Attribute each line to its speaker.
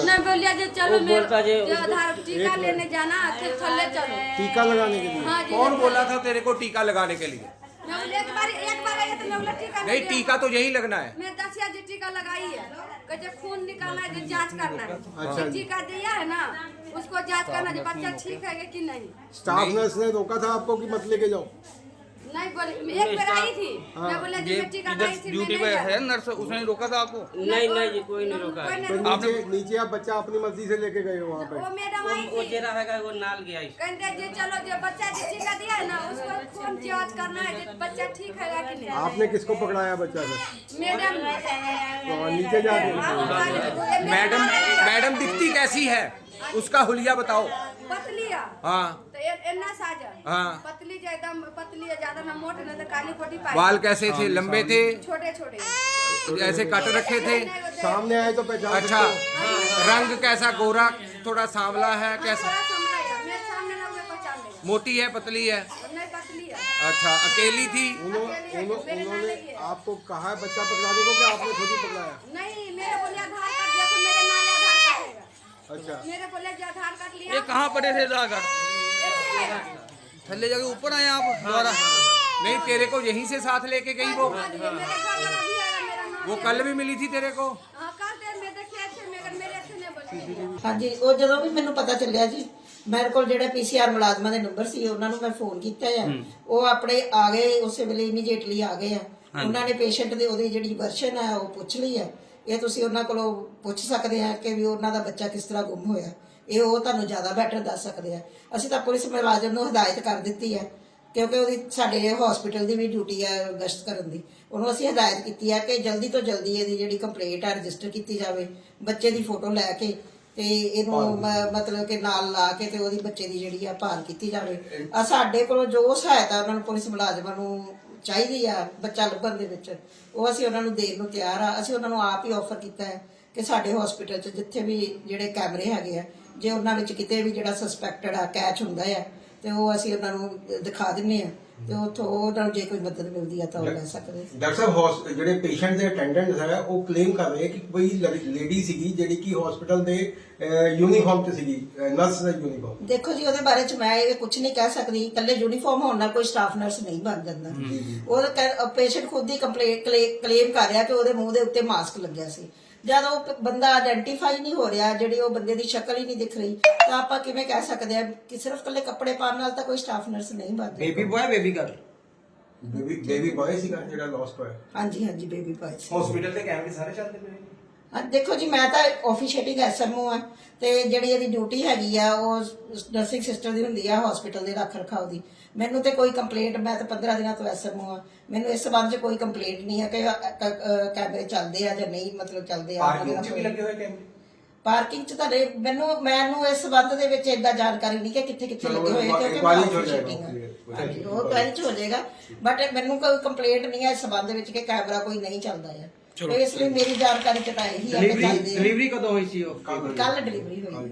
Speaker 1: नहीं बोलिया जो चलो मेरे जो आधार टीका लेने जाना फिर थल्ले चलो
Speaker 2: टीका लगाने के लिए।
Speaker 1: हाँ जी
Speaker 3: कौन बोला था तेरे को टीका लगाने के लिए?
Speaker 1: मैं बोली एक बार आया तो मैं बोला टीका
Speaker 3: नहीं, टीका तो यही लगना है।
Speaker 1: मैं 10 जी टीका लगाई है कहते खून निकालना है जो जांच करना है
Speaker 2: अच्छा।
Speaker 1: टीका दिया है ना उसको जांच करना जो बच्चा ठीक है कि नहीं।
Speaker 2: स्टाफ नर्स ने रोका था आपको कि मत लेके जाओ?
Speaker 1: नहीं बोली एक बार आई थी मैं बोला जो मैं टीका लगाई थी
Speaker 4: ड्यूटी पे है नर्स, उसने रोका था आपको?
Speaker 5: नहीं नहीं जी, कोई नहीं रोका है।
Speaker 2: तो नीचे आप बच्चा अपनी मर्जी से लेके गए हो वहाँ पे?
Speaker 1: वो मैडम आई
Speaker 5: वो
Speaker 1: थी
Speaker 5: जेरा है वो नाल गया इस।
Speaker 1: कहते जो चलो जो बच्चा जो टीका दिया है ना उसको खून जांच करना है जो बच्चा ठीक है कि नहीं।
Speaker 2: आपने किसको पकड़ाया बच्चा से?
Speaker 1: मैडम
Speaker 2: तो नीचे जाके
Speaker 3: मैडम मैडम दिखती कैसी है? उसका हुलिया बताओ।
Speaker 1: पतलिया
Speaker 3: हाँ
Speaker 1: तो इतना साजा
Speaker 3: हाँ।
Speaker 1: पतली जो एकदम पतली है ज्यादा ना मोटे ना तो काली कोटी पाई
Speaker 3: बाल कैसे थे? लंबे थे?
Speaker 1: छोटे छोटे
Speaker 3: ऐसे कट रखे थे?
Speaker 2: सामने आए तो पहचान
Speaker 3: अच्छा,
Speaker 2: सकते हो।
Speaker 3: रंग कैसा? गोरा, थोड़ा सांवला है? कैसा?
Speaker 1: थोड़ा समझ आया मेरे सामने ना उसे पहचान लेगा
Speaker 3: मोटी है, पतली है?
Speaker 1: नहीं पतली है
Speaker 3: अच्छा, अकेली थी?
Speaker 2: उन्होंने आपको कहा है बच्चा पकड़ाने को कि आपने खुद ही पकड़ाया?
Speaker 1: नहीं मेरे बोले आधार कार्ड देखो मेरे नाम आधार कार्ड है
Speaker 2: अच्छा,
Speaker 1: मेरे बोले जो आधार कार्ड लिया
Speaker 4: ये कहाँ पड़े थे जाकर? थल्ले जाके ऊपर आए आप दोबारा?
Speaker 3: नहीं, तेरे को यहीं से साथ लेके गई वो?
Speaker 1: मेरे घर वाला भी आया मेरा नाम
Speaker 3: वो कल भी मिली थी तेरे को?
Speaker 1: हाँ कल दे मैं देखे थे मगर मेरे से नहीं बोली
Speaker 6: ਹਾਂਜੀ ਉਹ ਜਦੋਂ ਵੀ ਮੈਨੂੰ ਪਤਾ ਚੱਲਿਆ ਜੀ ਮੇਰੇ ਕੋਲ ਜਿਹੜੇ ਪੀਸੀਆਰ ਮੁਲਾਜ਼ਮਾਂ ਦੇ ਨੰਬਰ ਸੀ ਉਹਨਾਂ ਨੂੰ ਮੈਂ ਫੋਨ ਕੀਤਾ ਆ ਉਹ ਆਪਣੇ ਆ ਗਏ ਉਸੇ ਵੇਲੇ ਇਮੀਡੀਏਟਲੀ ਆ ਗਏ ਆ ਉਹਨਾਂ ਨੇ ਪੇਸ਼ੈਂਟ ਦੀ ਉਹਦੀ ਜਿਹੜੀ ਵਰਸ਼ਨ ਹੈ ਉਹ ਪੁੱਛ ਲਈ ਆ ਇਹ ਤੁਸੀਂ ਉਹਨਾਂ ਕੋਲੋਂ ਪੁੱਛ ਸਕਦੇ ਆ ਕਿ ਵੀ ਉਹਨਾਂ ਦਾ ਬੱਚਾ ਕਿਸ ਤਰ੍ਹਾਂ ਗੁੰਮ ਹੋਇਆ ਇਹ ਉਹ ਤੁਹਾਨੂੰ ਜ਼ਿਆਦਾ ਬੈਟਰ ਦੱਸ ਸਕਦੇ ਆ ਅਸੀਂ ਤਾਂ ਪੁਲਿਸ ਮੁਲਾਜ਼ਮ ਨੂੰ ਹਦਾਇਤ ਕਰ ਦਿੱਤੀ ਹੈ ਕਿਉਂਕਿ ਉਹਦੀ ਸਾਡੇ ਹਸਪੀਟਲ ਦੀ ਵੀ ਡਿਊਟੀ ਹੈ ਗਸ਼ਤ ਕਰਨ ਦੀ ਉਹਨੂੰ ਅਸੀਂ ਹਦਾਇਤ ਕੀਤੀ ਹੈ ਕਿ ਜਲਦੀ ਤੋਂ ਜਲਦੀ ਇਹਦੀ ਜਿਹੜੀ ਕੰਪਲੇਂਟ ਹੈ ਰਜਿਸਟਰ ਕੀਤੀ ਜਾਵੇ ਬੱਚੇ ਦੀ ਫੋਟੋ ਲੈ ਕੇ ਤੇ ਇਹਨੂੰ ਮਤਲਬ ਕਿ ਨਾਲ ਲਾ ਕੇ ਤੇ ਉਹਦੀ ਬੱਚੇ ਦੀ ਜਿਹੜੀ ਆ ਭਾਲ ਕੀਤੀ ਜਾਵੇ ਆ ਸਾਡੇ ਕੋਲੋਂ ਜੋ ਸਹਾਇਤਾ ਉਹਨਾਂ ਨੂੰ ਪੁਲਿਸ ਮੁਲਾਜ਼ਮਾਂ ਨੂੰ ਚਾਹੀਦੀ ਆ ਬੱਚਾ ਲੱਭਣ ਦੇ ਵਿੱਚ ਉਹ ਅਸੀਂ ਉਹਨਾਂ ਨੂੰ ਦੇਣ ਨੂੰ ਤਿਆਰ ਆ ਅਸੀਂ ਉਹਨਾਂ ਨੂੰ ਆਪ ਹੀ ਆਫਰ ਕੀਤਾ ਹੈ ਕਿ ਸਾਡੇ ਹਸਪੀਟਲ 'ਚ ਜਿੱਥੇ ਵੀ ਜਿਹੜੇ ਕੈਮਰੇ ਹੈਗੇ ਆ ਜੇ ਉਹਨਾਂ ਵਿੱਚ ਕਿਤੇ ਵੀ ਜਿਹੜਾ ਸਸਪੈਕਟਡ ਆ ਕੈਚ ਹੁੰਦਾ ਆ ਤੇ ਉਹ ਅਸੀਂ ਉਹਨਾਂ ਨੂੰ ਦਿਖਾ ਦਿੰਨੇ ਆ ਤੇ ਉੱਥੋਂ ਉਹਨਾਂ ਨੂੰ ਜੇ ਕੋਈ ਮਦਦ ਮਿਲਦੀ ਆ ਤਾਂ ਉਹ ਲੈ ਸਕਦੇ।
Speaker 2: ਡਾਕਟਰ ਸਾਹਿਬ ਜਿਹੜੇ ਪੇਸ਼ੈਂਟ ਦੇ ਅਟੈਂਡੈਂਟ ਹੈ ਉਹ ਕਲੇਮ ਕਰ ਰਹੇ ਕਿ ਕੋਈ ਲੇਡੀ ਸੀਗੀ ਜਿਹੜੀ ਕਿ ਹਸਪੀਟਲ ਦੇ ਯੂਨੀਫਾਰਮ ਤੇ ਸੀਗੀ, ਨਰਸ ਦਾ ਯੂਨੀਫਾਰਮ।
Speaker 6: ਦੇਖੋ ਜੀ ਉਹਦੇ ਬਾਰੇ ਚ ਮੈਂ ਇਹ ਕੁਝ ਨਹੀਂ ਕਹਿ ਸਕਦੀ ਇਕੱਲੇ ਯੂਨੀਫਾਰਮ ਹੋਣ ਨਾਲ ਕੋਈ ਸਟਾਫ ਨਰਸ ਨਹੀਂ ਬਣ ਜਾਂਦਾ ਉਹ ਪੇਸ਼ੈਂਟ ਖੁਦ ਹੀ ਕਲੇਮ ਕਰ ਰਿਹਾ ਕਿ ਉਹਦੇ ਮੂੰਹ ਦੇ ਉੱਤੇ ਮਾਸਕ ਲੱਗਿਆ ਸੀ ਜਦ ਉਹ ਬੰਦਾ ਆਇਡੈਂਟੀਫਾਈ ਨਹੀਂ ਹੋ ਰਿਹਾ ਜਿਹੜੀ ਉਹ ਬੰਦੇ ਦੀ ਸ਼ਕਲ ਹੀ ਨਹੀਂ ਦਿਖ ਰਹੀ ਤਾਂ ਆਪਾਂ ਕਿਵੇਂ ਕਹਿ ਸਕਦੇ ਆ ਕਿ ਸਿਰਫ ਇਕੱਲੇ ਕੱਪੜੇ ਪਾਉਣ ਨਾਲ ਤਾਂ ਕੋਈ ਸਟਾਫ ਨਰਸ ਨਹੀਂ ਬਣਦਾ।
Speaker 4: Baby boy baby girl?
Speaker 2: Baby boy ਸੀਗਾ ਜਿਹੜਾ ਲਾਸਟ ਹੋਇਆ?
Speaker 6: ਹਾਂਜੀ ਹਾਂਜੀ ਬੇਬੀ ਬॉय ਸੀ।
Speaker 3: ਹਸਪੀਟਲ ਦੇ ਕੈਮਰੇ ਸਾਰੇ ਚੱਲਦੇ ਪਏ?
Speaker 6: ਹਾਂ ਦੇਖੋ ਜੀ ਮੈਂ ਤਾਂ ਆਫੀਸ਼ੀਏਟਿੰਗ ਐਸਐਮਓ ਆ ਤੇ ਜਿਹੜੀ ਇਹਦੀ ਡਿਊਟੀ ਹੈਗੀ ਆ ਉਹ ਨਰਸਿੰਗ ਸਿਸਟਰ ਦੀ ਹੁੰਦੀ ਆ ਹਸਪੀਟਲ ਦੇ ਰੱਖ ਰਖਾਓ ਦੀ ਮੈਨੂੰ ਤੇ ਕੋਈ ਕੰਪਲੇਂਟ ਮੈਂ ਤਾਂ 15 ਦਿਨਾਂ ਤੋਂ ਐਸਐਮਓ ਆ ਮੈਨੂੰ ਇਸ ਸੰਬੰਧ 'ਚ ਕੋਈ ਕੰਪਲੇਂਟ ਨਹੀਂ ਹੈ ਕਿ ਕੈਮਰੇ ਚੱਲਦੇ ਆ ਜਾਂ ਨਹੀਂ ਮਤਲਬ ਚੱਲਦੇ ਆ।
Speaker 3: ਪਾਰਕਿੰਗ 'ਚ ਵੀ ਲੱਗੇ ਹੋਏ ਕੈਮਰੇ?
Speaker 6: ਪਾਰਕਿੰਗ 'ਚ ਤੁਹਾਡੇ ਮੈਨੂੰ ਇਸ ਸੰਬੰਧ ਦੇ ਵਿੱਚ ਏਦਾਂ ਜਾਣਕਾਰੀ ਨਹੀਂ ਕਿ ਕਿੱਥੇ ਕਿੱਥੇ ਲੱਗੇ ਹੋਏ ਕਿਉਂਕਿ ਮੈਂ officiating ਆ। ਹਾਂਜੀ ਉਹ ਕੁਆਰੀ 'ਚ ਹੋ ਜਾਏਗਾ ਬਟ ਮੈਨੂੰ ਕੋਈ ਕੰਪਲੇਂਟ ਨਹੀਂ ਹੈ ਇਸ ਸੰਬੰਧ ਵਿੱਚ ਕਿ ਕੈਮਰਾ ਕੋਈ ਨਹੀਂ ਚੱਲਦਾ ਹੈ ਤੇ ਇਸ ਲਈ ਮੇਰੀ ਜਾਣਕਾਰੀ 'ਚ ਤਾਂ ਇਹੀ ਹੈ ਕਿ ਚੱਲਦੇ
Speaker 4: ਡਿਲੀਵਰੀ ਕਦੋਂ ਹੋਈ ਸੀ ਉਹ?
Speaker 6: ਕੱਲ ਡਿਲੀਵਰੀ ਹੋਈ।